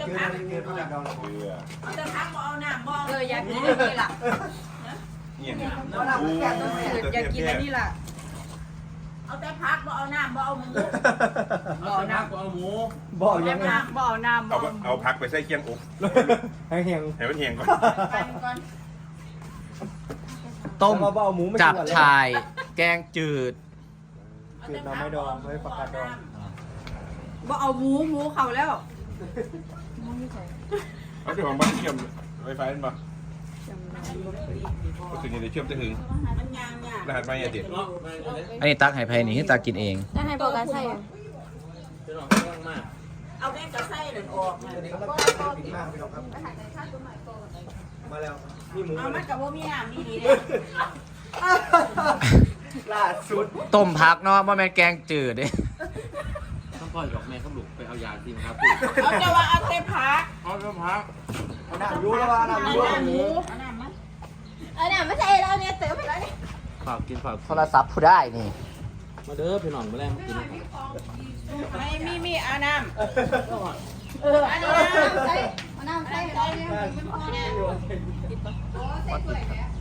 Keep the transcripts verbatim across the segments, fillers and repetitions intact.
พักเกลือพักดองเกลือเอาแต่พักบ่เอาน้ำบ่เอออยากกินอันนี้ล่ะเนี่ยอยากกินอันนี้ล่ะเอาแต่พักบ่เอาน้ำบ่เอาหมูบ่เอาน้ำบ่เอาหมูบ่เอายังน้ำบ่เอาน้ำบ่เอาเอาพักไปใส่เคียงอกให้เฮียงให้มันเฮียงก่อนต้มมาบ่เอาหมูไม่จับกินก่อนเลยชาย แกงจืดจืดหน่อไม้ดองไม่ผักกาดดองบ่เอาหมูหมูเขาแล้วเอาเจ้าของบ้านเชื่อมไวไฟนั่นปะก็ถึงจะเชื่อมจะถึงรหัสไม่ยังติดอันนี้ตักให้ไผนี่คือตักกินเองจะให้บอกกันใช่เอาแม่กระไส้หนึ่งออกมามาแล้วนี่หมูเอามันกับว่ามีน้ำนี่ดีเลยล่าสุดต้มผักเนาะบ่แม่นแกงจืดเด้ต้องปล่อยดอกแม่เขาหลุกไปเอายาจริงครับเอาจะว่าเอาเต็มพักเอาเริ่มพักเอาหน้ายูแล้วว่าหน้าเอายูน้ำหมูเอาน้ำมั้ยเออเนี่ยไม่ใช่เราเนี่ยเติมไปแล้วเนี่ยฝากกินฝากโทรศัพท์ผู้ได้นี่มาเด้อพี่น้องมาแรงกินไม่มีมีเอาน้ำเอออันนี้น้ำใส่เอาน้ำใส่เราเนี่ยเป็นพอเนี่ยโอ้ใส่ถ้วยเนี่ย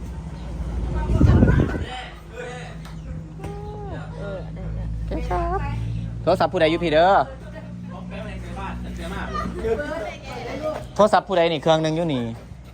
เออได้โทรศัพท์ผู้ใดอยู่พี่เด้อโทรศัพท์ผู้ใดนี่เครื่องหนึงอยู่นี่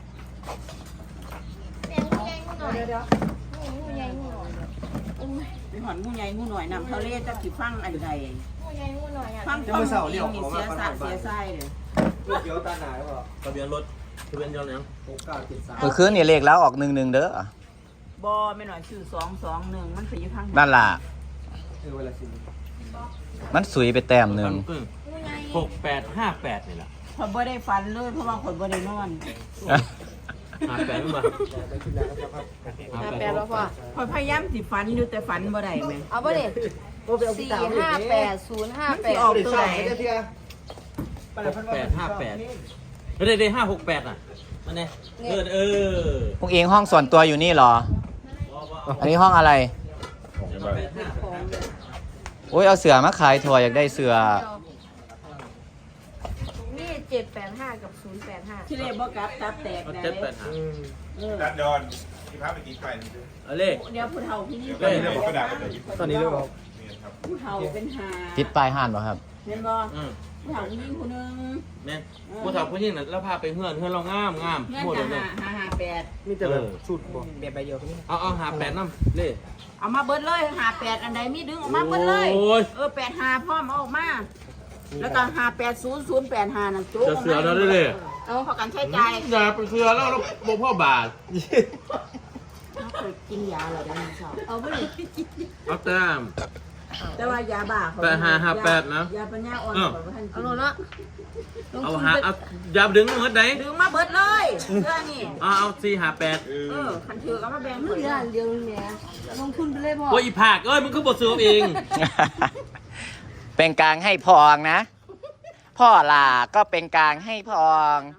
เดี๋ยวเดี๋ยวงูใหญ่งูหน่อยเป็นหอนงูใหญ่งูหน่อยน้ำทะเลจะสิฟังอันใดงูใหญ่งูหน่อยอ่ะฟังฟังนี่เสียสะเสียไส้เลยเดี๋ยวตาหนาแล้วก็ทะเบียนรถทะเบียนยนต์ยังหกเก้าเจ็ดสามเมื่อคืนนี่เลขแล้วออกหนึ่งหนึ่งเด้อบ่ไม่หน่อยชื่อสองสองหนึ่งมันไปอยู่ทางนั่นล่ะเออเวลาสิมันสุยไปแต้มหนึ่งงูใหญ่หกแปดห้าแปดนี่แหละคนบ่ได้ฟันเลยเพราะว่าคนบ่ได้นอนห้าแปดไม่มาได้กินแล้วครับห้าแปดแล้วพ่อคอยพยายามสิฟันอยู่แต่ฟันบ่ได้แม่เอาป่ะเนี่ยสี่ห้าแปดศูนย์ห้าแปดออกตัวไหนหกแปดห้าแปดเฮ้ยได้ห้าหกแปดอ่ะมันเนี่ยเออเออพวกเองห้องส่วนตัวอยู่นี่เหรอ อันนี้ห้องอะไร โอ้ยเอาเสือมาขายถั่วอยากได้เสือนี่เจ็ดแปดห้ากับศูนย์แปดห้าที่เรียกบ่กลับตับแตกได้เจ็ดแปดห้าดัดดอนที่พาไปกินไก่เอาเลขเดี๋ยวผู้เฒ่าที่นี่ตอนนี้เราบอกกระดาษกันเลยตอนนี้เรื่องผู้เฒ่าเป็นหาติดปลายห่านป่ะครับเห็นบ่อืมผู้เฒ่าที่นี่ผู้นึงแม่ผู้สาวผู้หญิงน่ะแล้วพาไปเฮือนเฮือนเรางามงามเงื่อนหมดจะเลยหาหาหาแปดมีแต่แบบสูตรบ่แบบใบเดียวกันนี่เอาเอาหาแปดน้ำเลขเอามาเบิดเลยหาแปดอันใดมีดึงออกมาเบิดเลยโอ้ยเออแปดหาพร้อมเอาออกมา แล้วก็หาแปดศูนย์ศูนย์แปดหานั่นจุ๊จะเสือเราได้เลยเอาพอกันใช้ใจอย่าไปเสือแล้วเราบอกพ่อบาทเขาเคยกินยาเหรอได้ไม่ชอบเอาป่ะเนี่ยเอาแต้มแต่ว่ายาบ้าเขาแปดห้าห้าแปดนะยาปัญญาอ่อนอ้าวเขาก็ท่านเอากินโน่นละเอาหาเอาอย่าดึงเงินไหนดึงมาเบิดเลยเรื่องนี้เอาเอาสี่หาแปดเออคันถือก็มาแบ่งเรื่องเดียวเดียวเนี่ยลงทุนไปเลยพ่อโอ้ยอีผากเอ้ยมึงคือบทซื้อเองเป็นกลางให้พองนะ พ่อหล่าก็เป็นกลางให้พอง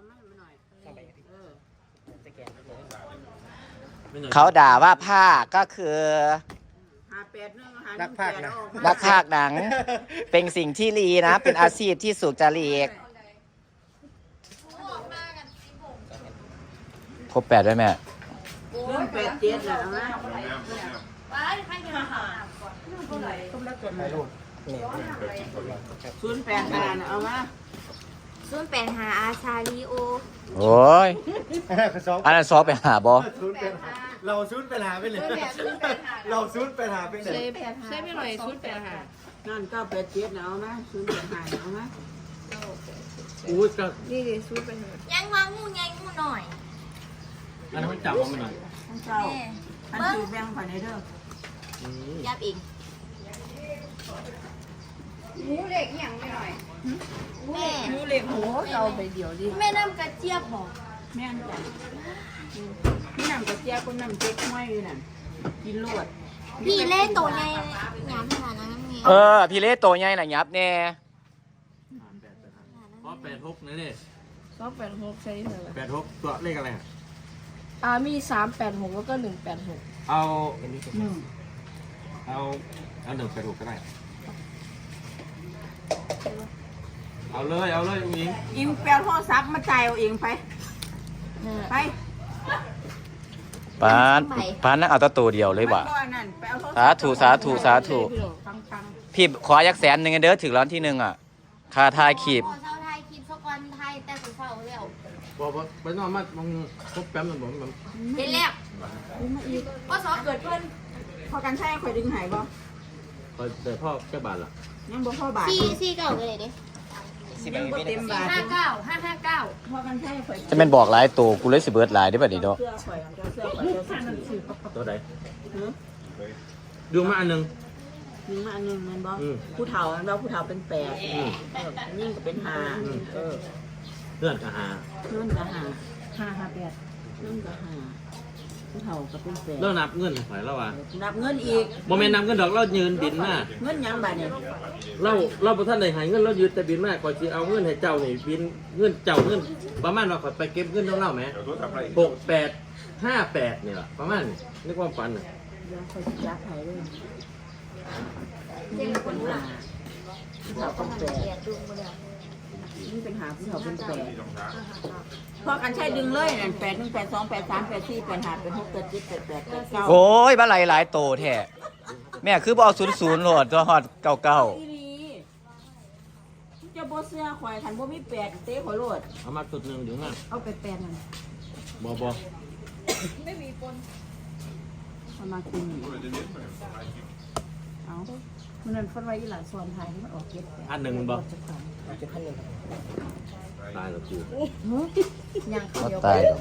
เขาด่าว่าผ้าก็คือหาแปดหนึ่งหาหนันึ่กงภาคแปดนะออกมานักพากย์หนัง เป็นสิ่งที่ดีนะ เป็นอาชีพที่สุจริตครบแปดด้วยแม่หนึ่งแปดเจ็ดแหละนะไปใครจะมาหาศูนย์แปดห้าน่ะเอามาศูนย์แปดหาอาชาลีโอโอ้ยสองอันนั้นซอฟไปหาบอศูนย์เป็นเราศูนย์เป็นหาไปเลยเราศูนย์เป็นหาไปเลยใช่ไม่หน่อยศูนย์แปดหานั่นเก้าแปดเจ็ดน่ะเอามาศูนย์แปดห้าน่ะเอามาอู้จะนี่ดิศูนย์แปดหายังวางงูใหญ่งูหน่อยอันนั้นมันจับมันหน่อยท่านเจ้าท่านถือแบ่งไปในเด้อยับอีกหมูเล็กอย่างไม่หน่อยแม่มูเล็กหัวเอาไปเดียวดิแม่น้ำกระเจี๊ยบบอกแม่นจ้ะนี่น้ำกระเจี๊ยบก็น้ำเจ๊กห้อยอยู่นั่นกินลวดพี่เล่โตในยามขนาดนั้นนี่เออ พี่เล่โตใหญ่หน่ะยับแน่เพราะแปดหกนี่นี่สองแปดหกใช่ไหมล่ะแปดหกตัวเลขอะไรอ่ะอ่ามีสามแปดหกแล้วก็หนึ่งแปดหกเอาหนึ่งเอาเอาหนึ่งแปดหกก็ได้เอาเลยเอาเลยอิงอิงแปลโทรศัพท์มาจ่ายเอาเองไปไปปานปานนั่งเอาแตะตัวเดียวเลยว่ะมันบ่นั่นไปเอาโทรศัพท์สาธุสาธุสาธุฟังฟังพี่ขอยักแสนหนึ่งเด้อถึงร้านที่หนึ่งอ่ะค่าทายขีบพอเช้าไทยคลิปสักวันไทยแต่สุดเช้าแล้วบอกว่าไปนอนมามึงพบแป๊บมันบอกมันเห็นแล้วก็สอบเกิดเพิ่นพอกันใช่ข่อยดึงหายบ่คอยแต่พ่อแค่บาทละยังบ่พอบาทสี่สี่เก้าเลยดิยังบ่เต็มบาทห้าเก้าห้าห้าเก้าพอกันใช่ข่อยจะเป็นบอกหลายตัวกูเลยสิเบิร์ดหลายได้ป่ะดิโดเสื้อข่อยเจ้าเสื้อข่อยเจ้าเสื้อข่อยตัวใดหือดูมาอันหนึ่งยิงมาอันหนึงแม่นบ่อืมผู้เฒ่าแม่นบ่ผู้เฒ่าเป็นแปดอืมเออยิ่งก็เป็นห้าเออเลื่อนกับหาเพิ่นก็ห้าห้าห้าแปดเพิ่นก็ห้าผู้เฒ่าก็เป็นแปดเล่านับเงินหอยแล้วว่ะนับเงินอีกโมเมนต์นับเงินดอกเรายืนบินมาเงินหยังบาดเนี่ยเราเราประท่านใดหายเงินเรายืนแต่บินมากก่อนจะเอาเงินให้เจ้านี่บินเงินเจ้าเงินประมาณว่าขอยไปเก็บเงินของเราไหมเดี๋ยวรู้ทำอะไรหกแปดห้าแปดเนี่ยประมาณนี้นึกว่าฝันน่ะเดี๋ยวข่อยสิจับให้เลยนี่เป็นห้าผู้เฒ่าเป็นแปดนี่เป็นหาผู้เฒ่าเป็นแปดพอกันใช้ดึงเลยนั่นแปดหนึ่งแปดสองแปดสามแปดสี่แปดห้าแปดหกแปดเจ็ดแปดแปดแปดเก้าโอ้ยบ้าหลายหลายโตแท้แม่คือบ่เอาศูนย์ศูนย์โหลดตัวฮอดเก้าเก้าอีหลีเจ้าบ่เสื้อข่อยคันบ่มีแปดเต้ข่อยโลดเอามาจุดหนึ่งเดี๋ยวนะเอาไปแปดนั่นบอบอเอามากินเอามันนั่นฟันไว้อีหลานสอนไทยมันออกเก็บอันหนึ่งมันบอตายแล้วกูยังเขาเขาเดียวตายดอก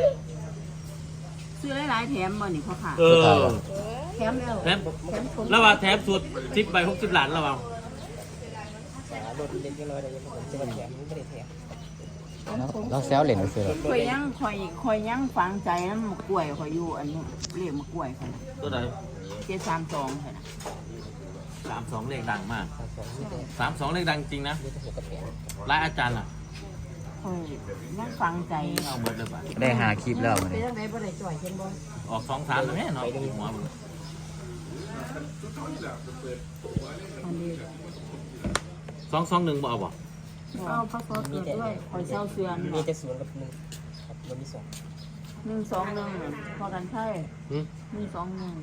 ซื้อหลายๆแถมบ่นี่พ่อค่ะเออแถมแล้วแถมระหว่างแถมสุดสิบใบหกสิบล้านระหว่างเราแซวเล่นไปซื้อหรอกข่อยยังข่อยข่อยยังฝังใจน้ำมะกล้วยข่อยอยู่อันนี้เรียกมะกล้วยค่ะตัวใดเจ็ดสามสองค่ะนะสามสองเลขดังมากสามสองเลขดังจริงนะรายอาจารย์ล่ะข่อยยังฝังใจเอาเบิร์ดเลยป่ะได้หาคลิปแล้วมื้อนี้ออกสองสามแล้วแม่เนาะหัวมึงอันนี้สองสองหนึ่งบ่เอาบ่เอาพระโคตรด้วยข่อยเช่าเสือนมีแต่ศูนย์กับหนึ่งครับมีสองหนึ่งสองหนึ่งพอกันใช่หืมหนึ่งสองหนึ่ง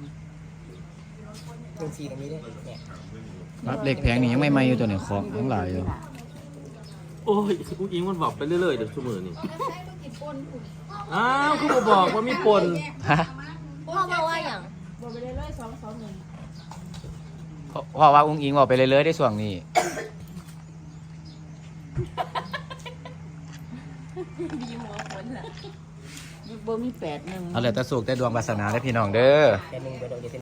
รับเหล็กแพงนี่ยังไม่มาอยู่ตัวไหนของทั้งหลายอยู่โอ้ยอุ้งอิงมันบอกไปเรื่อยๆเดี๋ยวชั่วโมงนี่อ้าวคุณบอกว่ามีปนฮะพ่อบอกว่าอย่างบอกไปเลยเลยสองสองหนึ่งเพราะเพราะว่าอุ้งอิงบอกไปเรื่อยๆได้ส่วงนี้บ่มีแปดหนึ่งเอาเลยแต่สุกแต่ดวงวาสนาได้พี่น้องเด้อ